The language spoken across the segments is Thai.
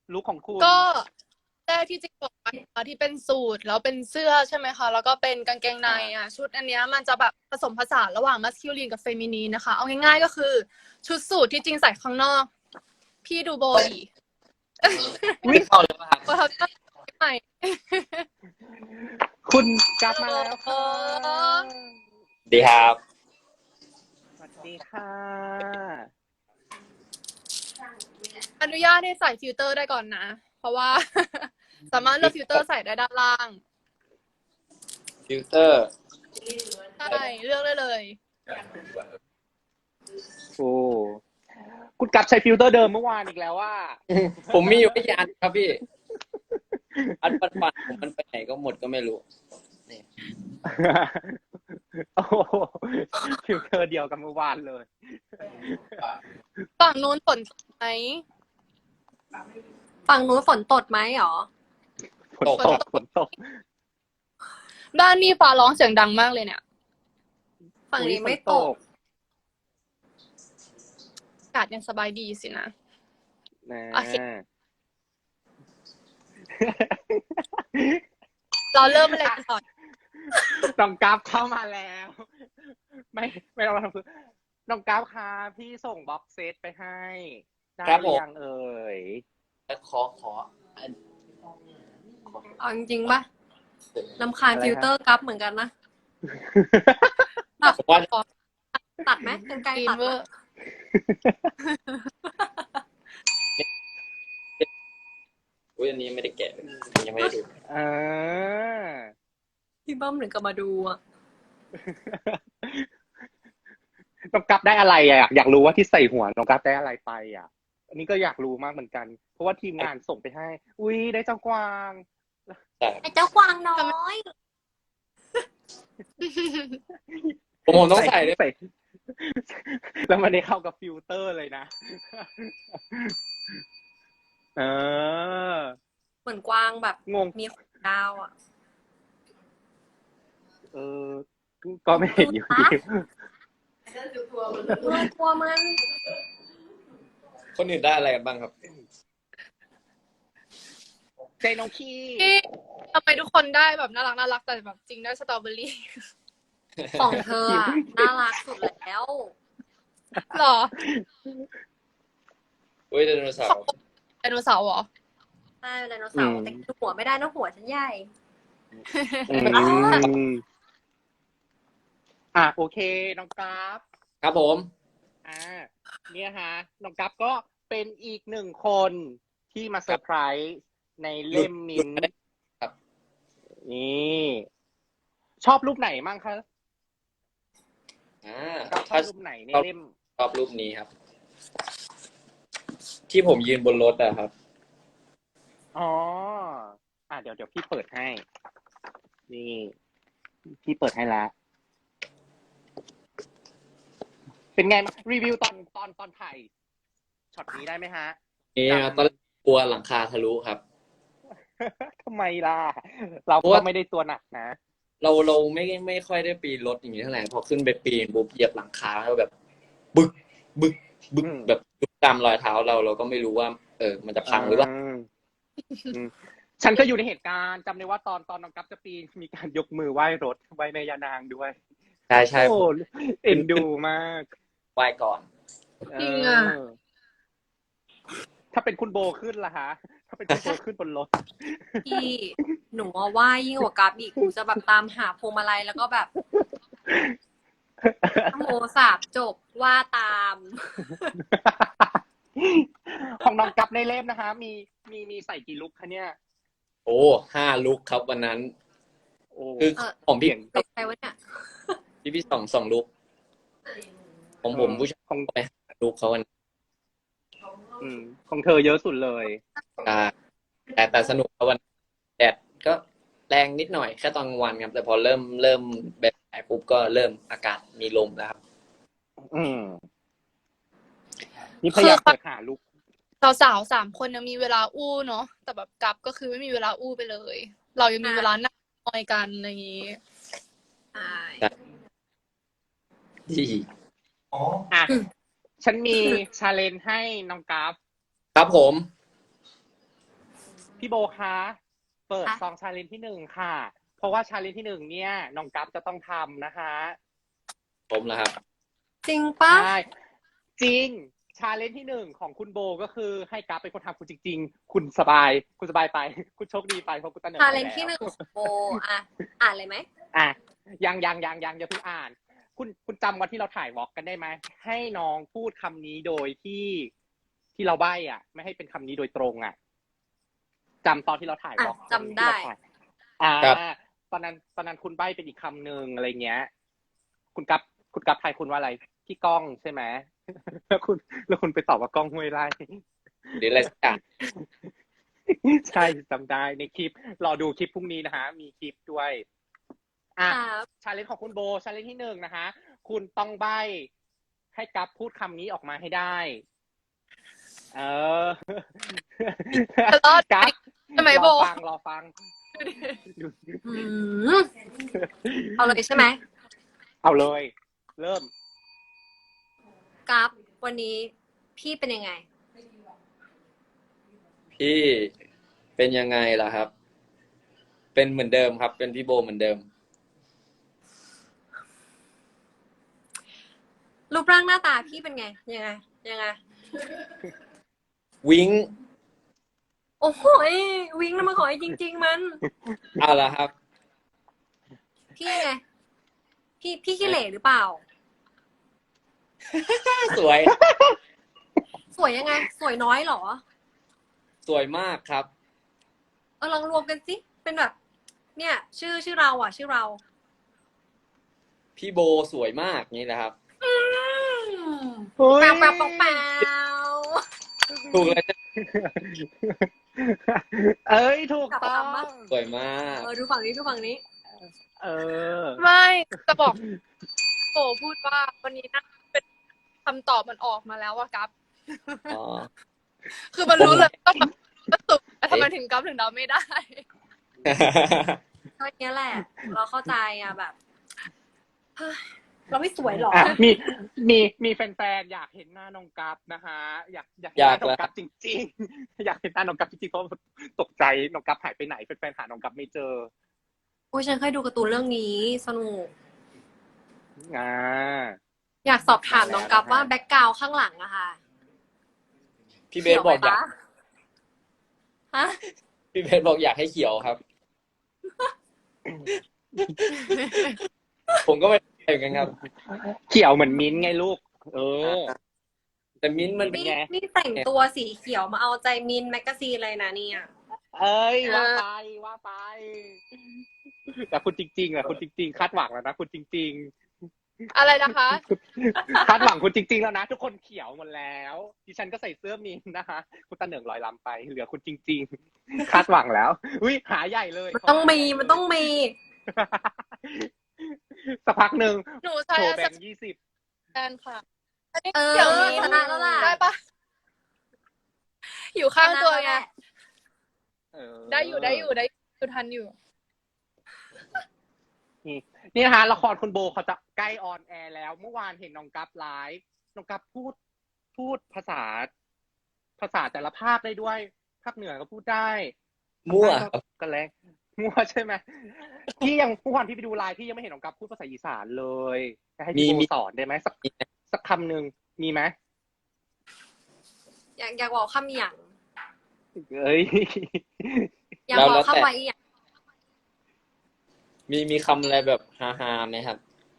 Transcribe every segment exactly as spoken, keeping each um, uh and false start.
ลุคของคุณก็แรกที่จริงบอกไปที่เป็นสูทแล้วเป็นเสื้อใช่ไหมคะแล้วก็เป็นกางเกงในอ่ะชุดอันเนี้ยมันจะแบบผสมผสานระหว่างมัสคิลินกับเฟมินีนนะคะเอาง่ายๆก็คือชุดสูทที่จริงใส่ข้างนอกพี่ดูโบดีไม่เข้าเลยป่ะครับประทับใจใหม่คุณกลับมาแล้วค่ะดีครับสวัสดีค่ะอนุญาตให้ใส่ฟิลเตอร์ได้ก่อนนะเพราะว่า สามารถเลือกฟิลเตอร์ใส่ได้ด้านล่างฟิลเตอร์ใช่เลือกได้เลยโอ้คุณกลับใช้ฟิลเตอร์เดิมเมื่อวานอีกแล้วว่าผมมีอยู่ไม่กี่อันครับพี่อันปันปันผมมันไปไหนก็หมดก็ไม่รู้นี่โอ้ฟิลเตอร์เดียวกับเมื่อวานเลยฝั่งนู้นฝนตกไหมฝั่งนู้นฝนตดไหมหรอฝนตกฝนตกด้านนี้ฟ้าร้องเสียงดังมากเลยเนี่ยฝั่งนี้ไม่ตกอากาศยังสบายดีสินะนะโอเค เราเริ่มอะไรกันก่อนน้องกราฟเข้ามาแล้ว ไม่ไม่ต้องทำคือน้องกราฟค่ะพี่ส่งบ็อกเซตไปให้ได้หรือยังเอ่ยขอขออันเอาจริงๆป่ะรำคาญฟิลเตอร์กราฟเหมือนกันนะผมว่าตัดไหมเป็นไกลตัดไหมอุ้ยอันนี้ไม่ได้แกะยังไม่ได้ดูอ่าพี่เบิ้มถึงกับมาดูอ่ะน้องกราฟได้อะไรอ่ะอยากรู้ว่าที่ใส่หัวน้องกราฟได้อะไรไปอ่ะอันนี้ก็อยากรู้มากเหมือนกันเพราะว่าทีมงานส่งไปให้ อุ้ยได้เจ้ากวางไอ้เจ้ากวางน้อยผมผมต้องใส่ด้วยใส่แล้วมันได้เข้ากับฟิลเตอร์เลยนะเออเหมือนกวางแบบงงมีขนดาวอ่ะเออก็ไม่เห็นอยู่ดีกลัวกลัวมันคนอื่นได้อะไรกันบ้างครับใจน้องขี้ทำไมทุกคนได้แบบน่ารักน่ารักแต่แบบจริงได้สตรอเบอรี่ของเธออะน่ารักสุดแล้วหรออุ้ยไดโนเสาร์ไดโนเสาร์เหรอใช่ไดโนเสาร์แต่หัวไม่ได้นะหัวฉันใหญ่อืมอ่ะโอเคน้องกราฟครับผมอ่าเนี่ยฮะน้องกัฟก็เป็นอีกหนึ่งคนที่มาเซอร์ไพรส์ในเล่มมินท์ครับนี่ชอบรูปไหนมั่งคะอ่าชอบรูปไหนในเล่มชอบรูปนี้ครับ ที่ผมยืนบนรถอะครับอ๋ออ่ะเดี๋ยวเดี๋ยวพี่เปิดให้ นี่ พี่เปิดให้แล้วเป็นไงรีวิวตอนตอนตอนถ่ายช็อตนี้ได้ไหมฮะนี่ตอนกลัวหลังคาทะลุครับทำไมล่ะ เราก็ไม่ได้ตัวหนักนะเราเราไม่ไม่ค่อยได้ปีนรถอย่างนี้เท่าไหร่พอขึ้นไปปีนปุ๊บเหยียบหลังคาแล้วแบบ บึกบึกบึกแบบยุบตามรอยเท้าเราเราก็ไม่รู้ว่า เออ มันจะพังหรือเปล่าฉันก็อยู่ในเหตุการณ์จำได้ว่าตอนตอนน้องกัฟจะปีนมีการยกมือไหว้รถไหว้แม่ยานางด้วยใช่ใช่โอ้เอ็นดูมากไหว้ก่อนจริงอ่ะถ้าเป็นคุณโบขึ้นล่ะฮะ ถ้าเป็นคุณโบขึ้นบนรถพี่หนูว่าว่ายิ่งกว่ากราฟอีกหนูจะแบบตามหาพวงมาลัยแล้วก็แบบโมสาบจบว่าตามของน้องกัฟในเล่มนะคะมีมีมีใส่กี่ลุคคะเนี่ยโอ้ห้าลุกครับวันนั้นโอ้คือของพี่เป็นใครวะเนี่ยพี่พี่สองสองลุกของผมผู้ชายของไปลุกเขาวันอืมของเธอเยอะสุดเลยอ่าแต่แต่สนุกครับวันแดดก็แรงนิดหน่อยแค่ตอนกลางวันครับแต่พอเริ่มเริ่มแบบไหนปุ๊บก็เริ่มอากาศมีลมแล้วครับอืมนี่พยายามเปิดหาลุคสาวๆสามคนยังมีเวลาอู้เนาะแต่แบบกลับก็คือไม่มีเวลาอู้ไปเลย เรายังมีเวลานั่งนอยกันอะไรอย่างนี้ใช่ที่อ่ะฉันมีชาเลนจ์ให้น้องกัฟครับผมพี่โบคะเปิดค่ะซองชาเลนจ์ที่หนึ่งค่ะ เพราะว่าชาเลนจ์ที่หนึ่งเนี่ยน้องกัฟจะต้องทำนะคะผมนะครับจริงปะใช่จริงชาเลนจ์ที่หนึ่งของคุณโบก็คือให้กัฟเป็นคนทำคุณจริง ๆ คุณสบาย คุณสบายไป คุณโชคดีไปเพราะคุณตะเหนิงชาไปเลนแล้วที่หนึ่งของโบอ่ะอ่านเลยไหมอ่ะยังยังยังยังอย่าเพิ่งอ่าน คุณคุณจำวันที่เราถ่ายวอล์กกันได้ไหมให้น้องพูดคำนี้โดยที่ที่เราใบ้อ่ะ ไม่ให้เป็นคำนี้โดยตรงอ่ะจำตอนที่เราถ่ายวอล์กอ่ะจำได้ที่เราถ่ายอ่าครับตอนนั้นตอนนั้นคุณใบ้เป็นอีกคำหนึ่งอะไรเงี้ย คุณกัฟคุณกัฟทายคุณว่าอะไรพี่ก้องใช่ไหม แล้วคุณแล้วคุณไปตอบว่าก้องห้วยไร่หรืออะไรสักอย่างใช่จำได้ในคลิปรอดูคลิปพรุ่งนี้นะฮะมีคลิปด้วยอ่ะครับชาเลนจ์ของคุณโบชาเลนจ์ที่หนึ่งนะคะคุณต้องใบ้ให้กัฟพูดคำนี้ออกมาให้ได้ เออจะรอดไหมกัฟใช่ไหมรโบอฟังรอฟังอืมเอาเลยใช่ไหมเอาเลย เริ่มกราฟวันนี้พี่เป็นยังไงพี่เป็นยังไงล่ะครับ เป็นเหมือนเดิมครับ เป็นพี่โบเหมือนเดิมรูปร่างหน้าตาพี่เป็นไง ยังไง ยังไงวิ้งโอ้โหยวิ่งแล้วมาขอให้จริง ๆ มันเอาละครับพี่ยังไง พี่พี่ขี้เหร่หรือเปล่าสวยสวยยังไง สวยน้อยเหรอสวยมากครับเออลองรวมกันสิ เป็นแบบ เนี่ย ชื่อชื่อเราอ่ะ ชื่อเราพี่โบสวยมากนี่นะครับอืมเฮ้ยแปวแปวแปวแปวถูกเลยนะเอ้ยถูกต้องสวยมากเออดูฝั่งนี้ดูฝั่งนี้เออไม่จะบอกโบพูดว่าวันนี้นะเป็นคำตอบมันออกมาแล้วว่ากัฟอ๋อคือมันรู้เลยต้องแบบกระตุกแต่ทำไมถึงกัฟถึงเดาไม่ได้ก็อย่างเงี้ยแหละ เราเข้าใจอ่ะแบบเฮ้ยเราไม่สวยหรออ่ะมีมีมีแฟนๆอยากเห็นหน้าน้องกัฟนะฮะอยากอยากเห็นหน้าน้องกัฟจริงๆ อยากเห็นหน้าน้องกัฟจริงๆเพราะตกใจน้องกัฟหายไปไหนแฟนๆหาน้องกัฟไม่เจอโอ้ยฉันเคยดูการ์ตูนเรื่องนี้สนุกอ่าอยากสอบถามน้องกัฟว่าแบ็กกราวข้างหลังอะค่ะพี่เบสบอกอยากฮะพี่เบสบอกอยากให้เขียวครับ ผมก็ไม่ได้เหมือนกันครับเขียวเหมือนมิ้นท์ไงลูก เออแต่มิ้นท์มันเป็นี่นไงนี่แต่งตัวสีเขียวมาเอาใจมินแมกกาซีนเลยนะเนี่ยเอ้ยเออว่าไปว่าไป แต่คุณจริงๆอะคุณจริงๆคาดหวังแล้วนะคุณจริงอะไรนะคะๆ คาดหวังคุณจริง ๆ แล้วนะ ทุกคนเขียวหมดแล้วดิฉันก็ใส่เสื้อมินท์นะคะคุณตาเหนิงลอยลำไป เหลือคุณจริง ๆ คาดหวังแล้วอุ้ยหาใหญ่เลยมันต้องมีมันต้องมีสักพักหนึ่งหนูโชใช้ว์แบสงค์ยี่สิบแตนค่ะอันนี้เออเดี๋ยวนี้ชนะแล้วล่ะได้ปะอยู่ข้างตัวไงเออได้อยู่ได้อยู่ได้อยู่ทันอยู่นี่นะคะละครคุณโบเขาจะใกล้ออนแอร์แล้ว เมื่อวานเห็นน้องกัฟไลฟ์น้องกัฟพูดพูดภาษา ภาษาแต่ละภาคได้ด้วย ภาคเหนือก็พูดได้มั่วภาคใต้ก็กันแรงมั่วใช่ไหมพี่ยังเมื่อวานพี่ไปดูไลฟ์พี่ยังไม่เห็นน้องกัฟพูดภาษาอีสานเลยจะให้พี่มีโบมีสอนได้ไหมสักสักคำหนึ่งมีไหมอยากอยากบอกคำอย่างเอ้ยอยากบอกคำไว้อย่างมีมีคำอะไรแบบฮาฮาๆไหมครับ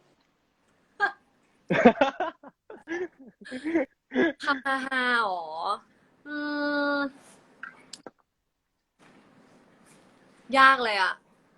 คำฮาฮาๆอ๋ออืม ยากเลยอะ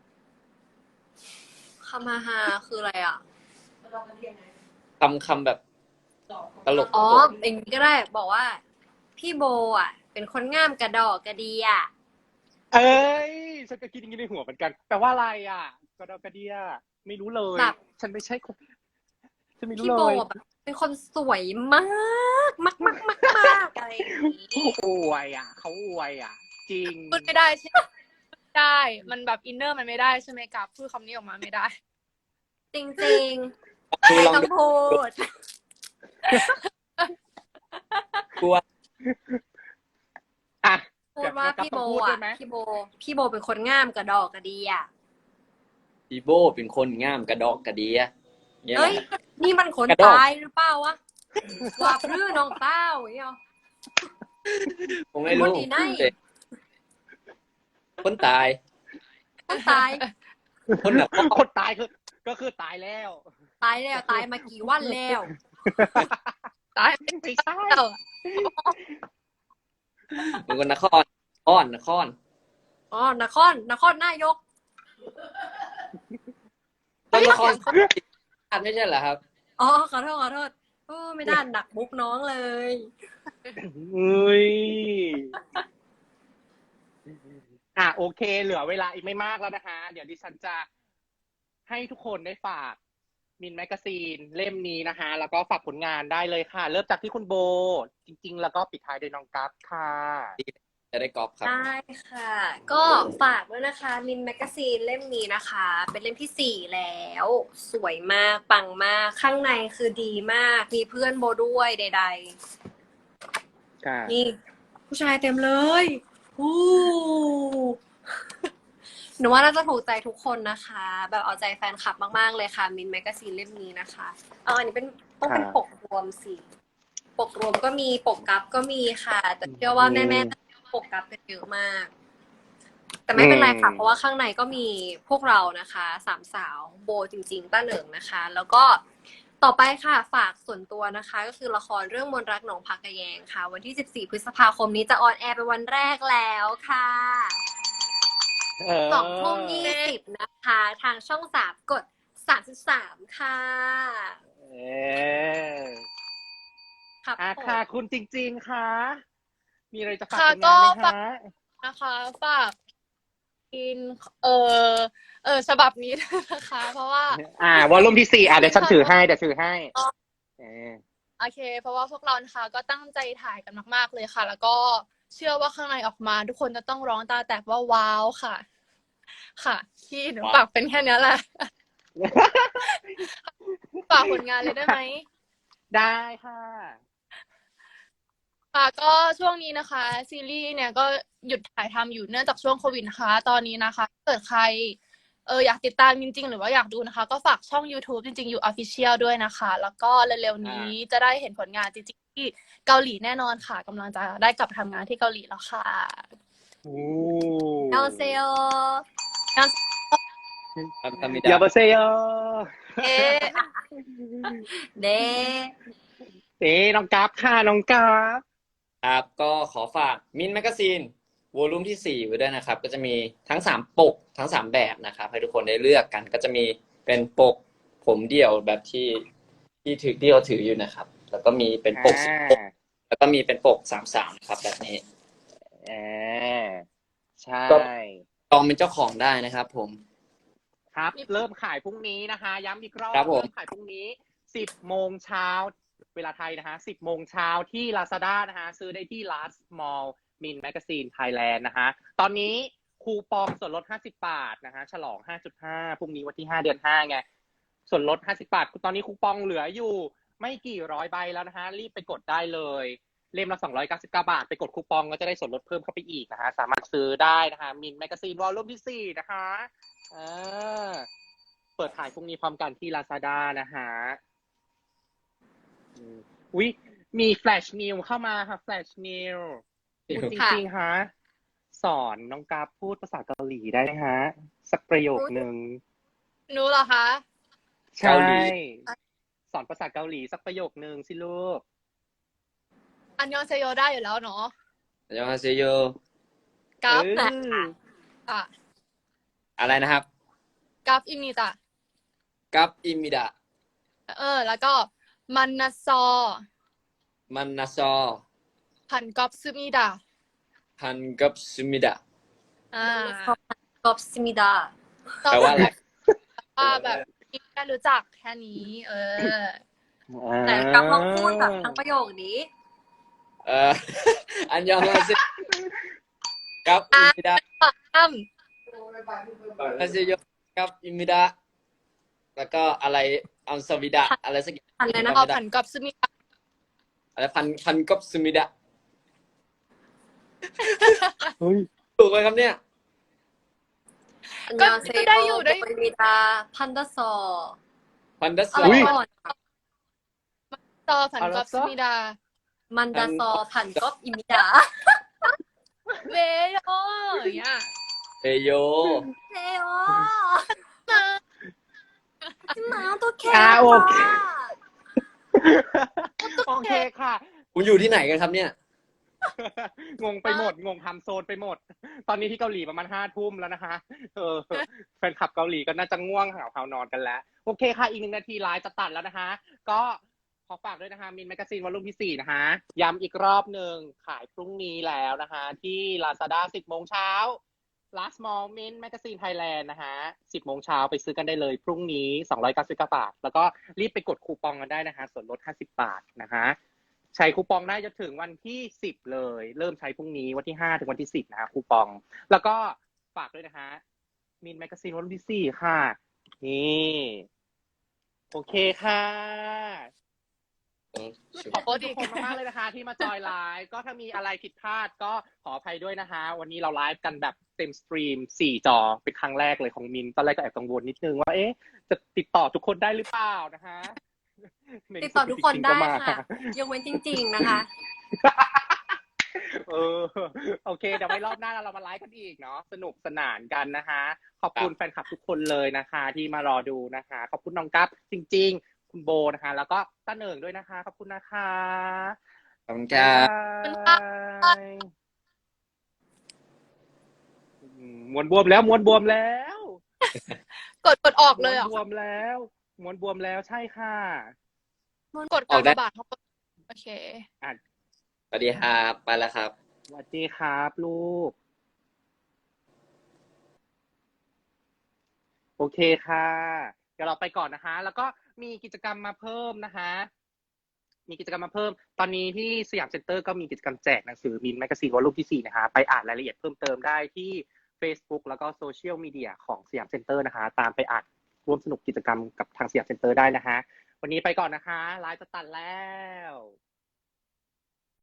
คำฮาฮาคืออะไรอะคำคำแบบตลกอ๋ออย่างนี้ก็ได้ บอกว่า พี่โบอ่ะ เป็นคนง่ามกระดอกกระเดียเอ้ยฉันก็คิดอย่างนี้ในหัวเหมือนกันแปลว่าอะไรอ่ะกระดอกกระเดียไม่รู้เลยแบบฉันไม่ใช่คนฉันไม่รู้พี่เลโบยแบบเป็นคนสวยมากมากมากมากมากอะไรอย่างนี้อวยอ่ะเขาอวยอ่ะ จริงพูดไม่ได้ใช่ไหมไม่ได้ มันแบบอินเนอร์มันไม่ได้ใช่ไหมกับพูดคำนี้ออกมาไม่ได้จริงจริงๆคือไม่ลองต้องพูดกลัวอ่ะพูดว่าเดี๋ยวพี่โบต้องพูดด้วอ่ะยไหมพี่โบ พี่โบเป็นคนง่ามกระดอกกระเดีอ่ะอีโบเป็นคนง่ามกระดอกกระเดียเนี่ยแหเอ้ยละนี่มันคนกระดอกตายหรือเปล่าวะว่าพรื้น้องเต้าอย่างเงี้ยผมไม่รู้คนดีไหนคนตายคนตายคนแบบคนตายคือ ก็คือตายแล้วตายแล้วตายมากี่วันแล้วตายไม่ใช่แล้วเป็นคนนครอ้อนนครอ๋อนครนครนายกต้นนครไม่ใช่เหรอครับอ๋อขอโทษขอโทษโอ้ไม่ได้ดักมุกน้องเลยอุ้ยอ่ะโอเค เหลือเวลาอีกไม่มากแล้วนะคะ เดี๋ยวดิฉันจะให้ทุกคนได้ฝากมินแมกกาซีนเล่มนี้นะคะ แล้วก็ฝากผลงานได้เลยค่ะ เริ่มจากที่คุณโบ จริง ๆ แล้วก็ปิดท้ายโดยน้องกัฟค่ะจะได้กอล์ฟครับได้ค่ะ ก็ฝากด้วยนะคะมินแมกกาซีนเล่มนี้นะคะ เป็นเล่มที่สี่แล้ว สวยมากปังมากข้างในคือดีมาก มีเพื่อนโบด้วยใดค่ะๆ นี่ ผู้ชายเต็มเลย ฮู้ หนูว่าน่าจะถูกใจทุกคนนะคะ แบบเอาใจแฟนคลับมากๆเลยค่ะมินแมกกาซีนเล่มนี้นะคะเอาอันนี้เป็นต้องเป็นค่ะปกรวมสิปกรวมก็มีปกกับก็มีค่ะ แต่เชื่อว่าแม่ๆปกกับกันเยอะมาก แต่ไม่เป็นไรค่ะอืมเพราะว่าข้างในก็มีพวกเรานะคะสามสาวโบจริงๆต้าเหนิงนะคะ แล้วก็ต่อไปค่ะ ฝากส่วนตัวนะคะ ก็คือละครเรื่องมนต์รักหนองผักกะแยงค่ะ วันที่สิบสี่พฤษภาคมนี้จะออนแอร์เป็นวันแรกแล้วค่ะเออสองทุ่มยี่สิบนะคะ ทางช่องสามกดสามสิบสามค่ะเออครับอ่ะผมค่ะ คุณจริง ๆ ค่ะ มีอะไรจะฝากค่ะผลงานไหมก็ฝากคะนะคะฝากกินเออเออฉบับนี้ด้วยนะคะ เพราะว่าอ่าวอลลุ่มที่สี่อ่ะเดี๋ยวฉันถือให้เดี๋ยวถือให้เออโอเค เพราะว่าพวกเรานะคะก็ตั้งใจถ่ายกันมากๆเลยค่ะ แล้วก็เชื่อว่าข้างในออกมา ทุกคนจะต้องร้องตาแตกว่าว้าวค่ะ ค่ะที่หนูฝากเป็นแค่เนี้ยแหละ ฝากผลงานเลยได้ไหมได้ค่ะค่ะก็ช่วงนี้นะคะ ซีรีส์เนี่ยก็หยุดถ่ายทำอยู่เนื่องจากช่วงโควิดนะคะ ตอนนี้นะคะถ้าเกิดใครเอออยากติดตามจริงๆ หรือว่าอยากดูนะคะ ก็ฝากช่อง YouTube จริงๆ อยู่ Official ด้วยนะคะ แล้วก็เร็วๆนี้จะได้เห็นผลงานจริงๆที่เกาหลีแน่นอนค่ะกำลังจะได้กลับทำงานที่เกาหลีแล้วค่ะโอ้เอลเซโอทำทำไม่ยาได้บาเซโยเอ๊ะเดเอ๊ะน้องกราฟค่ะน้องกราฟครับก็ขอฝากมินแมกกาซีนวอลลุ่มที่สี่ไว้ด้วยนะครับ ก็จะมีทั้งสามปกทั้งสามแบบนะครับให้ทุกคนได้เลือกกัน ก็จะมีเป็นปกผมเดี่ยวแบบที่ที่ถือที่เราถืออยู่นะครับ แล้วก็มีเป็นปกสิบปกแล้วก็มีเป็นปกสามสามนะครับแบบนี้อ่าใช่ก็ ลองเป็นเจ้าของได้นะครับผมครับ เริ่มขายพรุ่งนี้นะคะ ย้ำอีกรอบครับผมเริ่มขายพรุ่งนี้สิบโมงเช้าเวลาไทยนะคะสิบโมงเช้าที่ Lazada นะคะซื้อได้ที่ Last Mall Min Magazine Thailand นะคะตอนนี้คูปองส่วนลดห้าสิบบาทนะคะฉลอง ห้าจุดห้า พรุ่งนี้วันที่ห้าเดือนห้าไงส่วนลดห้าสิบบาทตอนนี้คูปองเหลืออยู่ไม่กี่ร้อยใบแล้วนะคะรีบไปกดได้เลยเล่มละสองร้อยเก้าสิบเก้าบาทไปกดคูปองก็จะได้ส่วนลดเพิ่มเข้าไปอีกนะคะสามารถซื้อได้นะคะมินแมกกาซีนวอลลุ่มที่สี่นะคะอ่าเปิดขายพรุ่งนี้พร้อมกันที่ Lazada นะคะอืมอุ๊ยมีแฟลชนิวเข้ามาค่ะแฟลชนิวพูดจริงๆฮะสอนน้องกราฟพูดภาษาเกาหลีได้ไหมฮะสักประโยคหนึ่งหนูเหรอคะใช่สอนภาษาเกาหลีสักประโยคหนึ่งสิลูกอันยองเซโยได้อยู่แล้วเนาะอันยองฮาเซโยกราฟเอออ่ะอะไรนะครับกราฟอิมิตะกับอิมิดะเออ แล้วก็มันนาซอมันนาซอพันกอบซึมิดะพันกับซุมิดะอ่ากอบซิมิดาแปลว่าอะไรว่าแบบแค่รู้จักแค่นี้ เออแต่กับลองพูดแบบทั้งประโยคนี้เอ่อ อันยองฮาเซกับอิมิดะอ้ำฮาเซโยกับอิมิดะแล้วก็อะไรอัมสวิดะอะไรสักอย่างอะไรนะพอพันกอบซึมิดะอะไรพันพันกับซุมิดะเฮ้ยถูกไหมครับเนี่ยอันก็ยองเซก็โยได้อยู่ได้โบมิดาพันดาซอพันดัสอะซไรอุ๊ยก่อนต่อผันเอากละอบซะสมิดามันดาซอพันก๊อบอิมิดาเวโยอย่างเงี้ยเฮโยเฮโอมาหมาตัวแค่อ่าโอเคค่ะโอเคค่ะคุณอยู่ที่ไหนกันครับเนี่ยงงไปหมด งงทำโซนไปหมด ตอนนี้ที่เกาหลีประมาณห้าทุ่มแล้วนะคะ เออ แฟนคลับเกาหลีก็น่าจะง่วงหาวๆนอนกันแล้ว โอเคค่ะ อีกหนึ่งนาทีไลฟ์จะตัดแล้วนะคะ ก็ขอฝากด้วยนะคะ มินแมกกาซีนวอลลุ่มที่สี่นะคะ ย้ำอีกรอบหนึ่งขายพรุ่งนี้แล้วนะคะ ที่ Lazada สิบโมงเช้า Last Mall Min Magazine Thailand นะคะสิบโมงเช้าไปซื้อกันได้เลย พรุ่งนี้สองร้อยเก้าสิบเก้าบาท แล้วก็รีบไปกดคูปองกันได้นะคะ ส่วนลดห้าสิบบาทนะคะ ใช้คูปองได้จนถึงวันที่สิบเลย เริ่มใช้พรุ่งนี้วันที่ห้าถึงวันที่สิบนะคะคูปอง แล้วก็ฝากด้วยนะคะมินแมกกาซีนวันที่สี่ค่ะ นี่ โอเคค่ะ ขอบคุณทุกคนมากๆเลยนะคะ ที่มาจอยไลฟ์ก็ถ้ามีอะไรผิดพลาดก็ขออภัยด้วยนะคะ วันนี้เราไลฟ์กันแบบเต็มสตรีมสี่จอเป็นครั้งแรกเลยของมินตอนแรกก็แอบกังวลนิดนึงว่าเอ๊ะจะติดต่อทุกคนได้หรือเปล่านะคะติดต่อทุกคนได้ค่ะยกเว้นจริง ๆ นะคะเออโอเคเดี๋ยวไว้รอบหน้าเรามาไลฟ์กันอีกเนาะสนุกสนานกันนะคะ ขอบคุณแฟนคลับทุกคนเลยนะคะ ที่มารอดูนะคะ ขอบคุณน้องกั๊บจริง ๆ คุณโบนะคะ แล้วก็ต้าเหนิงด้วยนะคะ ขอบคุณนะคะขอบคุณครับบ๊ายบายอืมมวนบวมแล้วมวนบวมแล้วกดกดออกเลยเหรม้อ่ะวนบวมแล้วมวนบวมแล้วใช่ค่ะกดกากบาทเข้าไปโอเคอ่ะสวัสดีครับ ไปแล้วครับสวัสดีครับลูก โอเคค่ะ เดี๋ยวเราไปก่อนนะคะ แล้วก็มีกิจกรรมมาเพิ่มนะคะ มีกิจกรรมมาเพิ่ม ตอนนี้ที่สยามเซ็นเตอร์ก็มีกิจกรรมแจกหนังสือมินแมกกาซีนวอลลุ่มที่สี่นะคะ ไปอ่านรายละเอียดเพิ่มเติมได้ที่ Facebook แล้วก็โซเชียลมีเดียของสยามเซ็นเตอร์นะคะ ตามไปอ่านร่วมสนุกกิจกรรมกับทางสยามเซ็นเตอร์ได้นะคะ วันนี้ไปก่อนนะคะ ไลฟ์จะตัดแล้ว